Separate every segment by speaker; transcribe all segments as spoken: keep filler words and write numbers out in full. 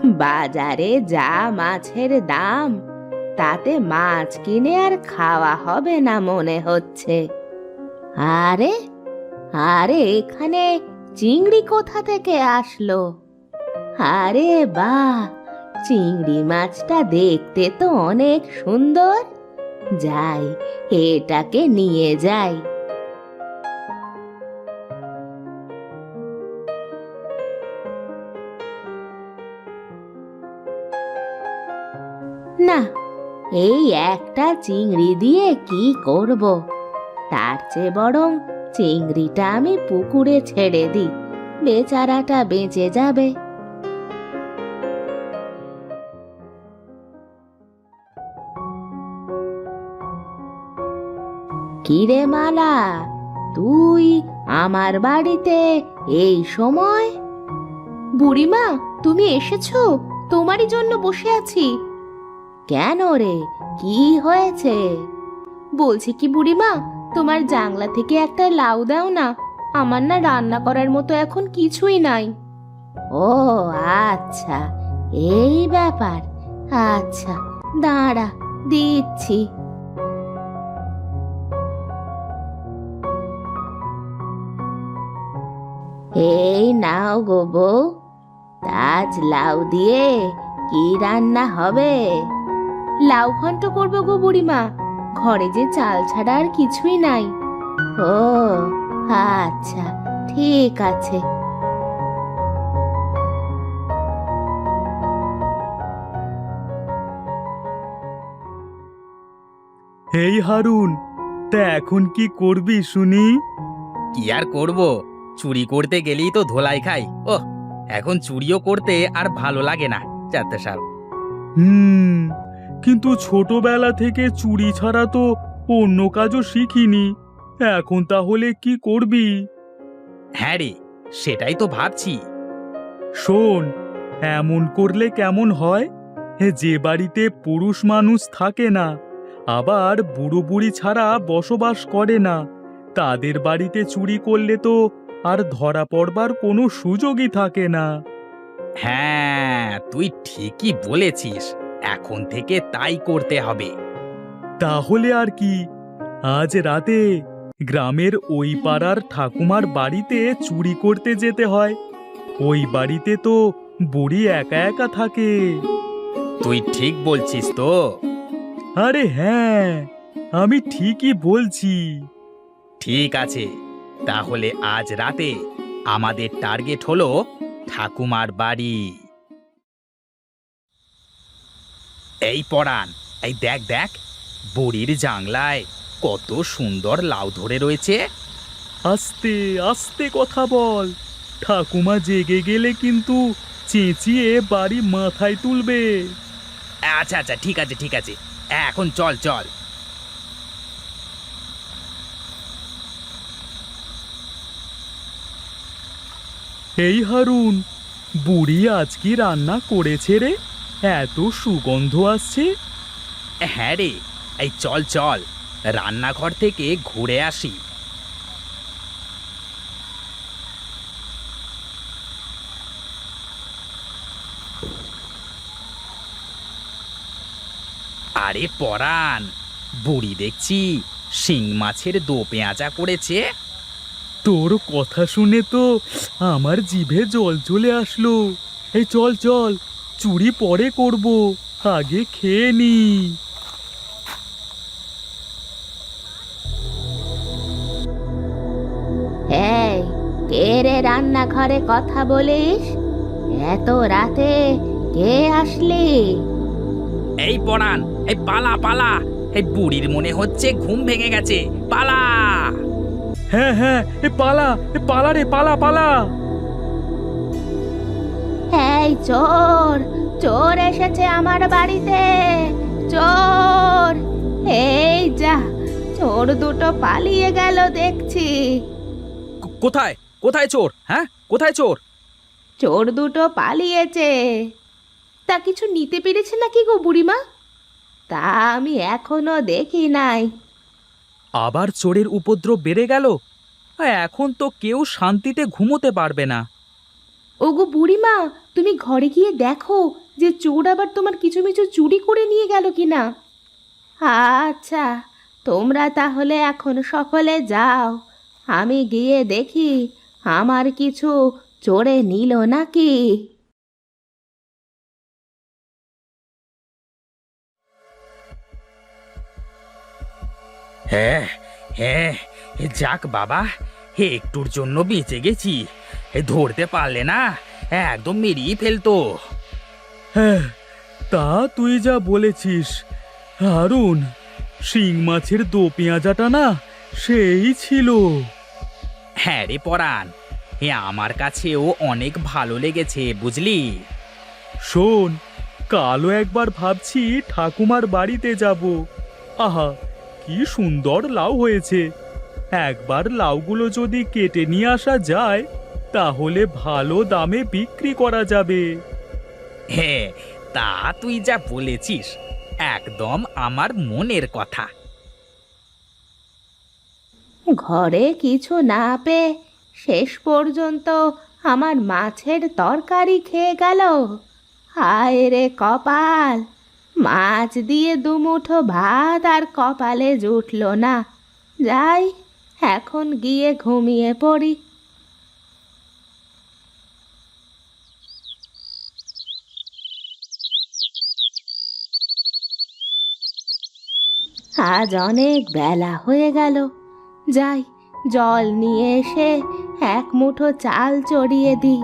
Speaker 1: বাজারে যা মাছের দাম, তাতে মাছ কিনে আর খাওয়া হবে না মনে হচ্ছে। আরে আরে এখানে চিংড়ি কোথা থেকে আসলো? আরে বাহ, চিংড়ি মাছটা দেখতে তো অনেক সুন্দর। যাই, এটাকে নিয়ে যাই। না, এই একটা চিংড়ি দিয়ে কি করব? তার চেয়ে বরং চিংড়িটা আমি পুকুরে ছেড়ে দিই, বেচারাটা বেঁচে যাবে। কিরে মালা, তুই আমার বাড়িতে এই সময়? বুড়িমা, তুমি এসেছো? তোমারই জন্য বসে আছি। কেন রে, কি হয়েছে? বলছি কি বুড়িমা, তোমার জাংলা থেকে একটা লাউ দাও না, আমার না রান্না করার মতো এখন কিছুই নাই। ও আচ্ছা, এই ব্যাপার। আচ্ছা দাঁড়া, দিচ্ছি। এই নাও গো বউ, আজ লাউ দিয়ে কি রান্না হবে? লাউ ঘন্ট করবো গো বুড়িমা, ঘরে যে চাল ছাড়া আর কিছুই নাই। ও আচ্ছা, ঠিক আছে।
Speaker 2: এই হারুন, তা এখন কি করবি শুনি?
Speaker 3: কি আর করব, চুরি করতে গেলেই তো ধোলাই খাই। ওহ, এখন চুরিও করতে আর ভালো লাগে না। চারটে সাল
Speaker 2: হুম, কিন্তু ছোটবেলা থেকে চুরি ছাড়া তো অন্য কাজও শিখিনি। এখন তাহলে কি করবি?
Speaker 3: হ্যাঁ রে, সেটাই তো ভাবছি।
Speaker 2: শোন, এমন করলে কেমন হয়? হে, যে বাড়িতে পুরুষ মানুষ থাকে না, আবার বুড়ো বুড়ি ছাড়া বসবাস করে না, তাদের বাড়িতে চুরি করলে তো আর ধরা পড়বার কোনো সুযোগই থাকে না।
Speaker 3: হ্যাঁ, তুই ঠিকই বলেছিস, এখন থেকে তাই করতে হবে।
Speaker 2: তাহলে আর কি, আজ রাতে গ্রামের ওই পাড়ার ঠাকুমার বাড়িতে চুরি করতে যেতে হয়। ওই বাড়িতে তো বুড়ি একা একা থাকে।
Speaker 3: তুই ঠিক বলছিস তো?
Speaker 2: আরে হ্যাঁ, আমি ঠিকই বলছি।
Speaker 3: ঠিক আছে, তাহলে আজ রাতে আমাদের টার্গেট হলো ঠাকুমার বাড়ি। এই পরাণ, এই দেখ দেখ, বুড়ির জাংলায় কত সুন্দর লাউ ধরে রয়েছে।
Speaker 2: আস্তে আস্তে কথা বল, ঠাকুমা জেগে গেলে কিন্তু চেঁচিয়ে বাড়ি মাথায় তুলবে।
Speaker 3: আচ্ছা আচ্ছা, ঠিক আছে ঠিক আছে, এখন চল চল।
Speaker 2: এই হারুন, বুড়ি আজ কি রান্না করেছে রে? এত সুগন্ধ আসছে।
Speaker 3: হ্যাঁ রে, এই চল চল, রান্নাঘর থেকে ঘুরে আসি। আরে পরাণ, বুড়ি দেখছি শিং মাছের দো পেঁয়াজা করেছে।
Speaker 2: তোর কথা শুনে তো আমার জিভে জল চলে আসলো। এই চল চল, চুরি পরে করব, আগে খেয়ে নি।
Speaker 1: এই, কে রে রান্নাঘরে কথা বলিস? এত রাতে কে আসলি?
Speaker 3: এই পরাণ, এই পালা পালা, এই বুড়ির মনে হচ্ছে ঘুম ভেঙে গেছে, পালা।
Speaker 2: হ্যাঁ হ্যাঁ, এ পালা, এ পালা রে, পালা পালা।
Speaker 1: এই চোর, চোর এসেছে আমার বাড়িতে, চোর! এই যা, চোর দুটো পালিয়ে গেল দেখছি।
Speaker 3: কো- কোথায় কোথায় চোর? হ্যাঁ, কোথায় চোর?
Speaker 1: চোর দুটো পালিয়েছে। তা কিছু নিতে পেরেছে নাকি গো বুড়িমা? তা আমি এখনো দেখি নাই।
Speaker 3: আবার চোরের উপদ্রব বেড়ে গেল। এখন তো কেউ শান্তিতে ঘুমোতে পারবে না।
Speaker 1: ওগো বুড়িমা, তুমি ঘরে গিয়ে দেখো যে চোর আবার তোমার কিছু মিছু চুরি করে নিয়ে গেল কিনা। আচ্ছা, তোমরা তাহলে এখন সকলে যাও, আমি গিয়ে দেখি আমার কিছু চোরে নিল নাকি।
Speaker 3: হ্যাঁ, হ্যাঁ, যাক বাবা, একটুর জন্য বেঁচে গেছি। এ ধরতে পারলে না, একদম মেরিয়ে ফেলতো।
Speaker 2: হ্যাঁ, তা তুই যা বলেছিস। হারুন, শিং মাছের দো পেঁয়াজাটা না সেই ছিল।
Speaker 3: হ্যাঁ রে পরাণ, এ আমার কাছেও অনেক ভালো লেগেছে বুঝলি।
Speaker 2: শোন, কালও একবার ভাবছি ঠাকুমার বাড়িতে যাব। আহা, কি সুন্দর লাউ হয়েছে। একবার লাউগুলো যদি কেটে নিয়ে আসা যায় তাহলে ভালো দামে বিক্রি করা যাবে।
Speaker 3: হ্যাঁ, তা তুই যা বলেছিস একদম আমার মনের কথা।
Speaker 1: ঘরে কিছু না পেয়ে শেষ পর্যন্ত আমার মাছের তরকারি খেয়ে গেল। হায় রে কপাল, মাছ দিয়ে দুমুঠো ভাত আর কপালে জুটল না। যাই, এখন গিয়ে ঘুমিয়ে পড়ি। আজ অনেক বেলা হয়ে গেল, যাই জল নিয়ে এসে এক মুঠো চাল চড়িয়ে দিই।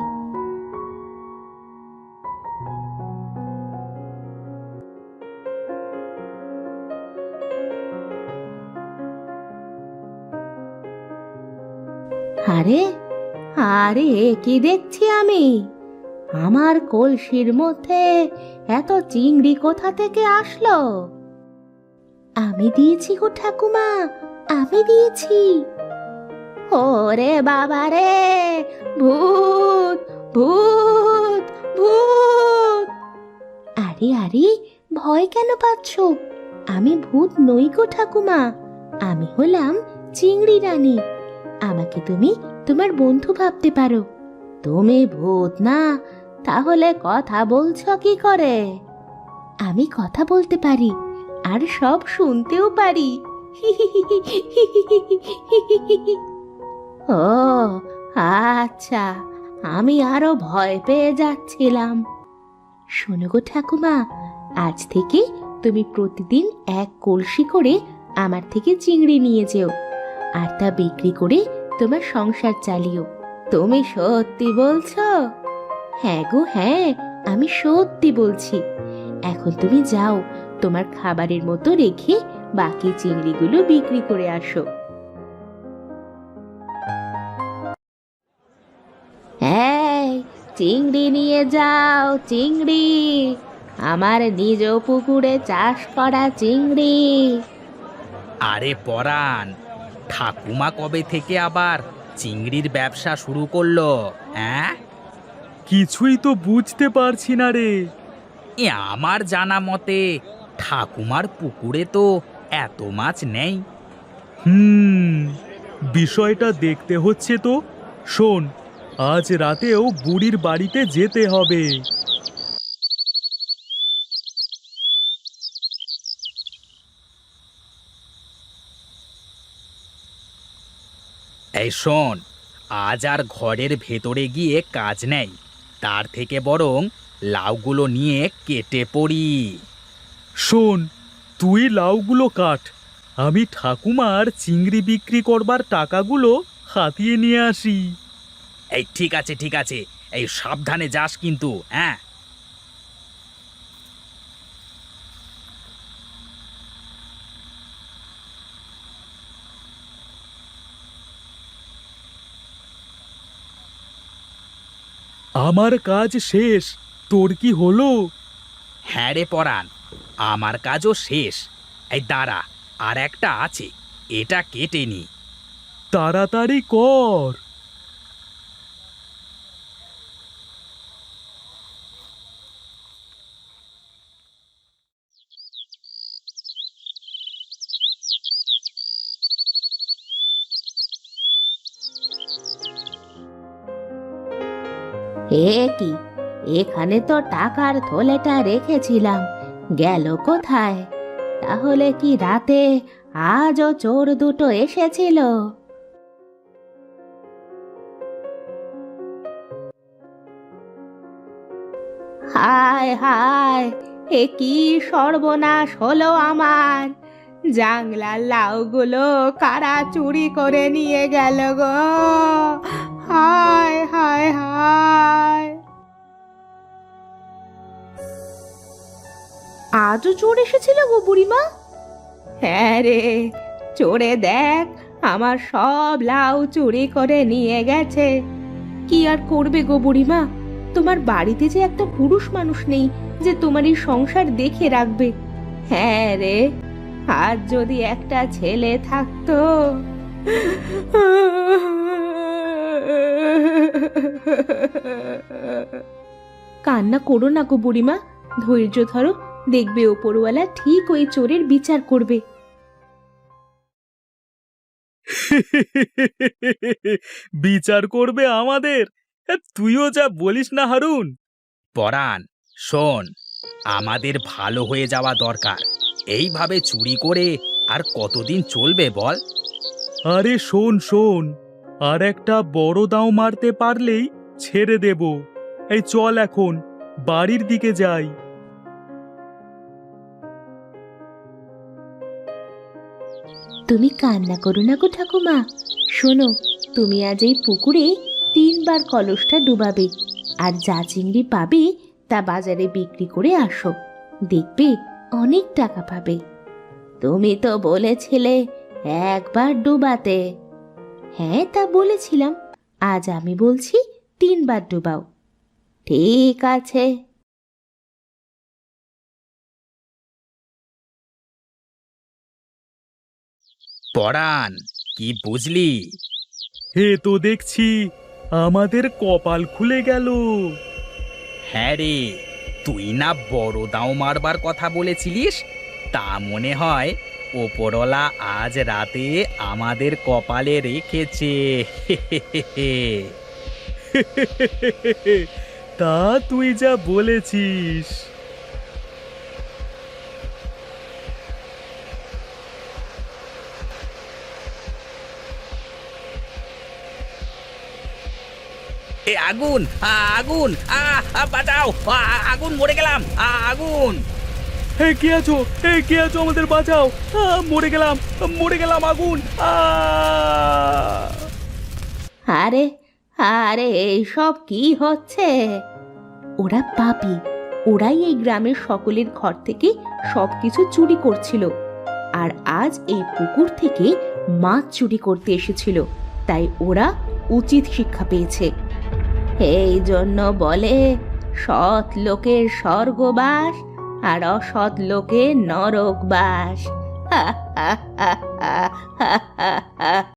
Speaker 1: আরে আরে, এ কি দেখছি আমি? আমার কলসির মধ্যে এত চিংড়ি কোথা থেকে আসলো? আমি দিয়েছি গো ঠাকুমা, আমি দিয়েছি। ওরে বাবা রে, ভূত ভূত ভূত! আরে আরে, ভয় কেন পাচ্ছ? আমি ভূত নই গো ঠাকুমা, আমি হলাম চিংড়ি রানী। আমাকে তুমি তোমার বন্ধু ভাবতে পারো। তুমি ভূত না, তাহলে কথা বলছো কি করে? আমি কথা বলতে পারি, আর সব শুনতেও পারি। ও আচ্ছা, আমি আরো ভয় পেয়ে যাচ্ছিলাম। শোনো গো ঠাকুমা, আজ থেকে তুমি প্রতিদিন এক কলসি করে আমার থেকে চিংড়ি নিয়ে যেও, আর তা বিক্রি করে তোমার সংসার চালিও। তুমি সত্যি বলছো? হ্যাঁ গো হ্যাঁ, আমি সত্যি বলছি। এখন তুমি যাও, তোমার খাবারের মতো রেখে বাকি চিংড়িগুলো বিক্রি করে আসো। এই, চিংড়ি নিয়ে যাও, চিংড়ি, আমার নিজ পুকুরে চাষ করা চিংড়ি।
Speaker 3: আরে পরাণ, ঠাকুমা কবে থেকে আবার চিংড়ির ব্যবসা শুরু করলো? হ্যাঁ,
Speaker 2: কিছুই তো বুঝতে পারছি না রে।
Speaker 3: এ আমার জানা মতে ঠাকুমার পুকুরে তো এত মাছ নেই।
Speaker 2: হুম, বিষয়টা দেখতে হচ্ছে তো। শোন, আজ রাতেও বুড়ির বাড়িতে যেতে হবে।
Speaker 3: এই শোন, আজ আর ঘরের ভেতরে গিয়ে কাজ নেই, তার থেকে বরং লাউগুলো নিয়ে কেটে পড়ি।
Speaker 2: শোন, তুই লাউগুলো কাট, আমি ঠাকুমার চিংড়ি বিক্রি করবার টাকাগুলো হাতিয়ে নিয়ে আসি।
Speaker 3: এই ঠিক আছে ঠিক আছে, এই সাবধানে যাস কিন্তু, হ্যাঁ।
Speaker 2: আমার কাজ শেষ, তোর কি হলো?
Speaker 3: হ্যাঁ রে পরাণ, আমার কাজও শেষ। এই দাঁড়া, আর একটা আছে, এটা কেটে নি।
Speaker 2: তাড়াতাড়ি কর।
Speaker 1: এ কি, এখানে তো টাকার থলেটা রেখেছিলাম, গেল কোথায়? তাহলে কি রাতে আজও চোর দুটো এসেছিল? হায় হায়, এ কি সর্বনাশ হলো আমার! জাংলার লাউগুলো কারা চুরি করে নিয়ে গেল গো! হায় হায় হায়! আজও চোর এসেছিল গো বুড়িমা? হ্যাঁ রে, চোরে দেখ আমার সব লাউ চুরি করে নিয়ে গেছে। কি আর করবে গো বুড়িমা, তোমার বাড়িতে যে একটা পুরুষ মানুষ নেই যে তোমার এই সংসার দেখে রাখবে। হ্যাঁ রে, আজ যদি একটা ছেলে থাকতো। কান্না করো না গো বুড়িমা, ধৈর্য ধরো, দেখবে ওপরওয়ালা ঠিক ওই চোরের বিচার করবে।
Speaker 2: বিচার করবে আমাদের? এ, তুইও যা বলিস না হারুন।
Speaker 3: পরাণ, শোন, আমাদের ভালো হয়ে যাওয়া দরকার। এইভাবে চুরি করে আর কতদিন চলবে বল?
Speaker 2: আরে শোন শোন, আর একটা বড় দাও মারতে পারলেই ছেড়ে দেব। এই চল এখন বাড়ির দিকে যাই।
Speaker 1: তুমি কান্না করো না গো ঠাকুমা, শোনো, তুমি আজ এই পুকুরে তিনবার কলসটা ডুবাবে, আর যা চিংড়ি পাবে তা বাজারে বিক্রি করে আসো, দেখবে অনেক টাকা পাবে। তুমি তো বলেছিলে একবার ডুবাতে। হ্যাঁ, তা বলেছিলাম, আজ আমি বলছি তিনবার ডুবাও। ঠিক আছে।
Speaker 3: পরাণ, কি বুঝলি?
Speaker 2: হে তো দেখছি আমাদের কপাল খুলে গেল।
Speaker 3: হ্যাঁ রে, তুই না বড় দাও মারবার কথা বলেছিলিস, তা মনে হয় ওপরওয়ালা আজ রাতে আমাদের কপালে রেখেছে।
Speaker 2: তা তুই যা বলেছিস।
Speaker 3: এ আগুন, আ, আগুন, আ, আ, বাঁচাও, আ, আগুন, মরে গেলাম, আ, আগুন!
Speaker 2: হে কে আছো? হে কে আছো? আমাদের বাঁচাও! আ, মরে গেলাম, মরে গেলাম, আগুন! আ!
Speaker 1: আরে আরে, এইসব কি হচ্ছে? ওরা পাপী, ওরাই এই গ্রামের সকলের ঘর থেকে সবকিছু চুরি করছিল, আর আজ এই পুকুর থেকে মাছ চুরি করতে এসেছিল, তাই ওরা উচিত শিক্ষা পেয়েছে। এই জন্য বলে, সৎ লোকের স্বর্গবাস আর অসৎ লোকের নরকবাস। হা হা হা হা হা হা।